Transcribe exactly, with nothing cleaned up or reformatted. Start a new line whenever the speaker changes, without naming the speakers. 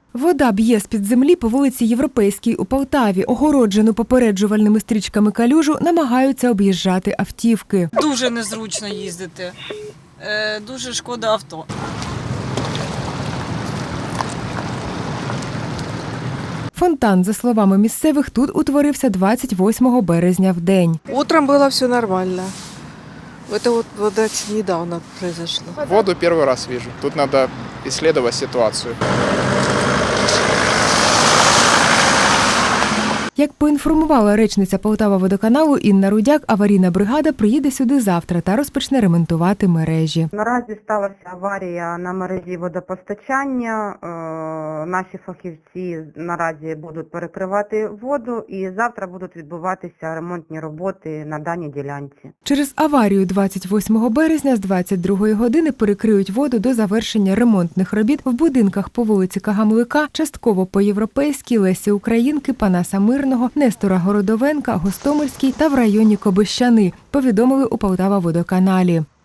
Вода б'є з-під землі по вулиці Європейській у Полтаві. Огороджену попереджувальними стрічками калюжу намагаються об'їжджати автівки.
Дуже незручно їздити, е, дуже шкода авто.
Фонтан, за словами місцевих, тут утворився двадцять восьмого березня в день.
Утром было все нормально. Это вот, вот это недавно произошло.
Воду первый раз вижу. Тут надо исследовать ситуацию.
Як поінформувала речниця Полтава-водоканалу Інна Рудяк, аварійна бригада приїде сюди завтра та розпочне ремонтувати мережі.
Наразі сталася аварія на мережі водопостачання. Е, Наші фахівці наразі будуть перекривати воду і завтра будуть відбуватися ремонтні роботи на даній ділянці.
Через аварію двадцять восьмого березня з двадцять другої години перекриють воду до завершення ремонтних робіт в будинках по вулиці Кагамлика, частково по Європейській, Лесі Українки, Панаса Мирного, Нестора Городовенка, Гостомельській та в районі Кобищани, повідомили у Полтава-водоканалі.